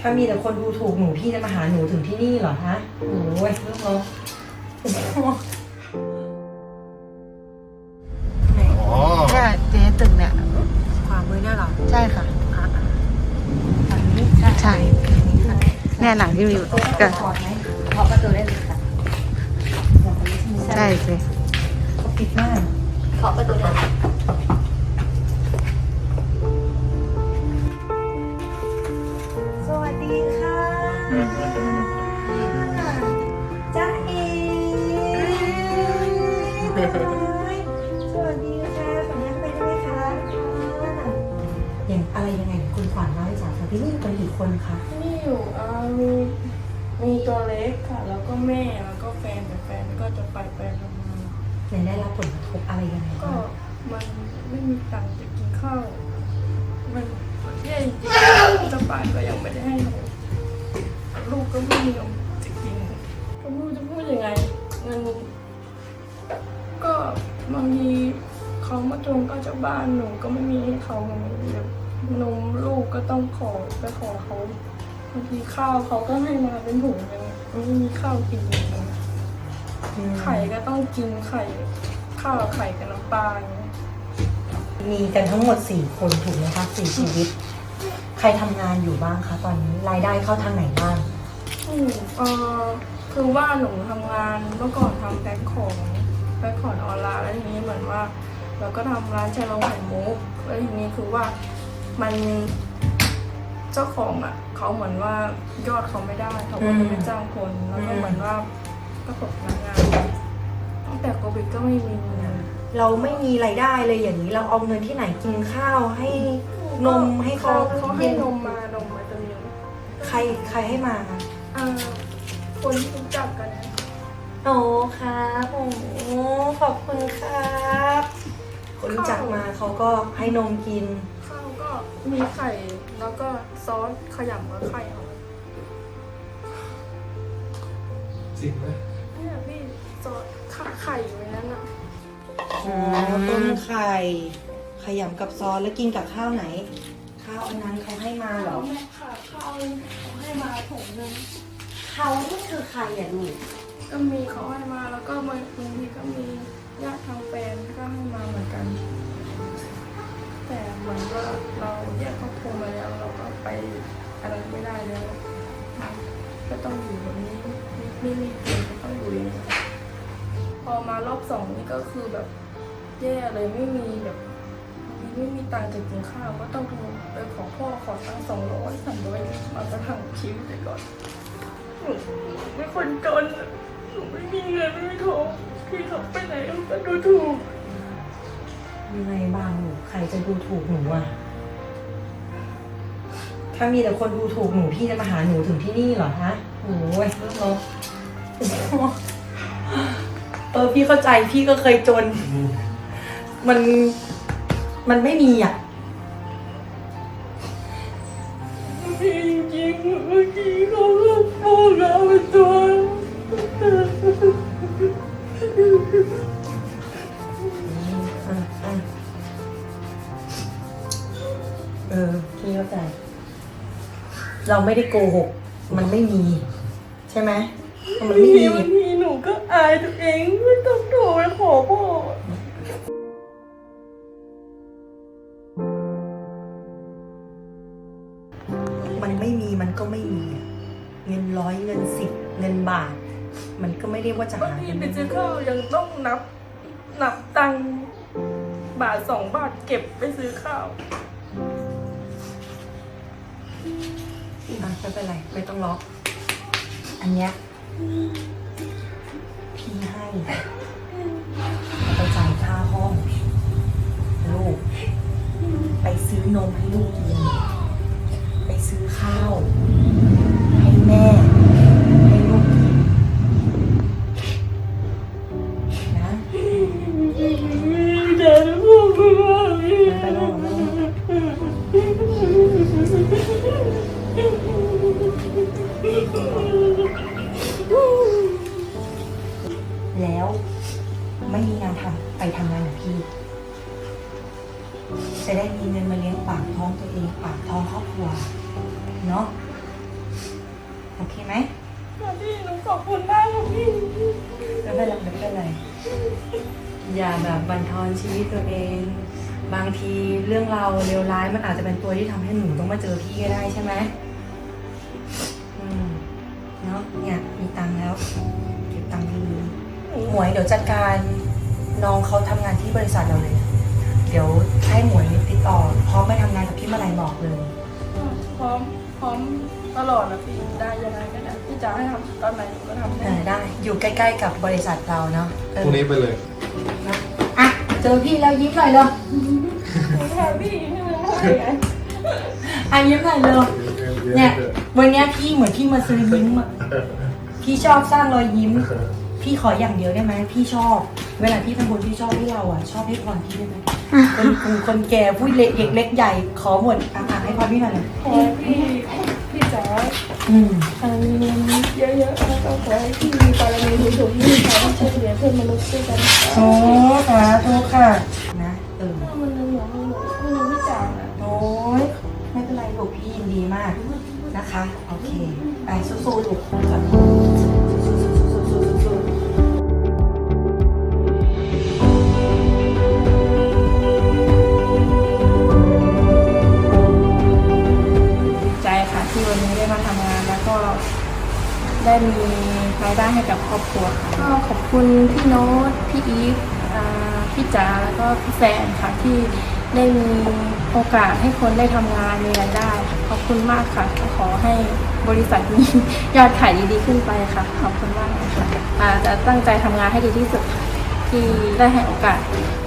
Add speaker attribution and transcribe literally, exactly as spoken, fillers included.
Speaker 1: ถ้ามีแต่คนดูถูกหนูพี่จะมาหาหนูถึงที่นี่เหรอฮะโอ้ยเรื่องเรา
Speaker 2: อ๋อเนี่ยเจ๊ตึกเนี่ยขวามือเนี่ยหรอใช่ค่ะฝั่งนี้ใช่ใช่เนี่ยหลังที่มีกัน
Speaker 1: ขอไหมขอประตูได้เลยค่ะ
Speaker 2: ใช่สิ
Speaker 1: เขาปิดมากขอประตูได้สวัสดีค่ะจ้าเอสวัสดีค่ะขออนุญาตไปได้ไหมคะอย่างอะไรยังไงคุณขวัญเล่าให้จ๋าฟังที่นี่อยู่กันกี่คนคะ
Speaker 3: นี่อยู่อ่ามีมีตัวเล็กค่ะ แล้วก็แม่แล้วก็แฟนแต่แฟนก็จะไปไปทำงาน
Speaker 1: เนี่ยได้รับผลกระทบอะไรยังไง
Speaker 3: ก็
Speaker 1: บ้าง
Speaker 3: มันไม่มีตังค์จะกินข้าวมันแย่จริงๆจะป่านก็ยังไม่ได้ให้นมลูกก็ไม่มีนมจะกินก็ไม่รู้จะพูดยังไงเงินก็บางทีเขามาทวงก็จะบ้านหนูก็ไม่มีให้เขาเดี๋ยวนมลูกก็ต้องขอไปขอเขาบางทีข้าวเขาก็ให้มาเป็นถุงยังไม่มีข้าวกินเลยไข่ก็ต้องกินไข่ข้าวไข่กับน้ำปลาอย่างเงี้ย
Speaker 1: มีกันทั้งหมดสี่คนถูกไหมคะสี่ชีวิต ใครทำงานอยู่บ้างคะตอนนี้รายได้เข้าทางไหนบ้าง
Speaker 3: อืมเออคือว่าหนูทำงานเมื่อก่อนทำแพ็คของแพ็คของออนไลน์แล้วทีนี้เหมือนว่าเราก็ทำร้านชาลงไข่มุกแล้วทีนี้คือว่ามันเจ้าของอ่ะเขาเหมือนว่ายอดเขาไม่ได้เขาก็เลยไม่จ้างคนแล้วก็เหมือนว่าก็ตกพนักงานตั้งแต่โควิดก็ไม่มีเงิน
Speaker 1: เราไม่มีรายได้เลยอย่างนี้เราเอาเงินที่ไหนกินข้าวให้นมให้เขา
Speaker 3: เขาให้นมมานมมาตัวนี้
Speaker 1: ใครใครให้มาคะ
Speaker 3: อ่าคนที่รู้จักกันนะ
Speaker 1: โอ้ครับโอ้ขอบคุณครับคนรู้จักมาเขาก็ให้นมกิน
Speaker 3: ข้าวก็มีไข่แล้วก็ซอสขยำกับไข่เอา
Speaker 4: จริงไหม
Speaker 3: เนี่ยพี่ซอสไข่อยู่ในนั้นอ่ะ
Speaker 1: อ๋อต้มไข่ขยำกับซอสแล้วกินกับข้าวไหน ข้าวอันนั้นเขาให้มาเหรอ
Speaker 3: แม่ค่ะข้าวเขาให้มาถุงนึง
Speaker 1: เขานี่คือใครอ่ะลูก
Speaker 3: ก็มีเขาให้มาแล้วก็บางทีก็มีญาติทางแฟนก็ให้มาเหมือนกัน แต่เหมือนว่าเราแยกครอบครัวมาแล้วเราก็ไปอะไรไม่ได้แล้วก็ต้องอยู่แบบนี้ไม่มีเงินก็ต้องอยู่อย่างนี้พอมารอบสองนี่ก็คือแบบแย่เลยไม่มีแบบไม่มีตังค์จะกินข้าวก็ต้องโทรไปขอพ่อขอตังค์สองร้อยสามร้อยมาประทังชีวิตไปก่อนหนูเป็นคนจนหนูไม่มีเงินไม่มีทองพี่เขาไปไหนก็ดูถูก
Speaker 1: ยังไงบ้างลูกใครจะดูถูกหนูอ่ะถ้ามีแต่คนดูถูกหนูพี่จะมาหาหนูถึงที่นี่เหรอฮะโอ้ยเรื่องเราเออพี่เข้าใจพี่ก็เคยจน มันมันไม่มีอ่ะ
Speaker 3: จริงๆเมื่อกี้เขาก็พูดแล้วเป็นตัว
Speaker 1: อ่ะอ่ะเออพี่เข้าใจ เราไม่ได้โกหก มันไม่มี ใช่ไหมมันไม่มี
Speaker 3: บางทีหนูก็อายตัวเองไม่ต้องโทรไปขอพ่อ
Speaker 1: มันไม่มีมันก็ไม่มีอะเงินร้อยเงินสิบเงินบาท มันก็ไม่ได้ว่าจะ
Speaker 3: บาง
Speaker 1: หา
Speaker 3: ที
Speaker 1: เงิน
Speaker 3: ไปซื้อข้าวยังต้องนับ นับตังค์บาทสองบาทเก็บไปซื้อข้าว
Speaker 1: อ่ะไม่เป็นไรไม่ต้องล็อก อันเนี้ยพี่ให้ไปจ่ายค่าห้องลูก ไปซื้อนมให้ลูกกิน ไปซื้อข้าว ให้แม่ ให้ลูกกินนะ
Speaker 3: เดี๋ยวพูดไม่ได้
Speaker 1: ไม่ไปนอนแล้วไม่มีงานทำไปทำงานกับพี่ จะได้มีเงินมาเลี้ยงปากท้องตัวเองปากท้องครอบครัวเนาะโอเคไหม
Speaker 3: พี่หนูขอบคุณมากค่ะพี่
Speaker 1: ไม่เป็นไรไม่เป็นไรอย่าแบบบั่นทอนชีวิตตัวเอง บางทีเรื่องเราวเลวร้ายมันอาจจะเป็นตัวที่ทำให้หนูต้องมาเจอพี่ก็ได้ใช่ไหมอืมเนาะเนี่ยมีตังค์แล้วเก็บตังค์ดีๆหมวยเดี๋ยวจัดการน้องเขาทำงานที่บริษัทเราเลย เดี๋ยวให้หมวยติดต่อพร้อมไปทำงานกับพี่เมื่อไหร่บอกเลย
Speaker 3: พร้อมพร้อมตลอดนะพี่ได้ยังไงก็ได้พี่จะให้ทำตอนไหนหนูก็ทำ
Speaker 1: เออได้อยู่ใกล้ๆกับบริษัทเราเนาะเออ
Speaker 4: พรุ่งนี้ไปเลย
Speaker 1: นะอ่ะเจอพี่แล้วยิ้มหน่อยเลย
Speaker 3: หนูแฮปปี้ที่มันได้ไง
Speaker 1: อ่ะยิ้มหน่อยเลยเนี่ยวันเนี้ยพี่เหมือนพี่มาซื้อยิ้มอ่ะพี่ชอบสร้างรอยยิ้ม พี่ขออย่างเดียวได้ไหมพี่ชอบ เวลาพี่ทำบุญพี่ชอบให้เราอ่ะชอบให้พรพี่ได้ไหมคนคนคนแก่ผู้เล็กเด็กเล็กใหญ่ขอหมดอ่ะอ่ะให้พรพี่หน่อยเลย
Speaker 3: ขอให้พี่พี่จ๋า
Speaker 1: อืม
Speaker 3: มีเงินเยอะๆแล้วก็ขอให้พี่มีบารมีสูงๆที่สามารถช่วยเหลือเพื่อนมนุษย์ด้วยกัน
Speaker 1: โอ้สาธุค่ะนะเออ
Speaker 3: ถ้ามันยังเหลือมันเหลือมันยังไม่จางอ่ะ
Speaker 1: โอ้ยไม่เป็นไรลูกพี่ยินดีมากนะคะโอเคไปสู้ๆลูกก่อนสู้ๆ
Speaker 3: ดีใจค่ะที่วันนี้ได้มาทำงานแล้วก็ได้มีรายได้ให้กับครอบครัวค่ะก็ขอบคุณพี่โน้ตพี่อีฟอ่าพี่จ๋าแล้วก็พี่แฟนค่ะที่ได้มีโอกาสให้คนได้ทำงานมีรายได้ค่ะขอบคุณมากค่ะขอให้บริษัทมียอดขายดีๆขึ้นไปค่ะขอบคุณมากค่ะอ่าจะตั้งใจทำงานให้ดีที่สุดค่ะที่ได้ให้โอกาส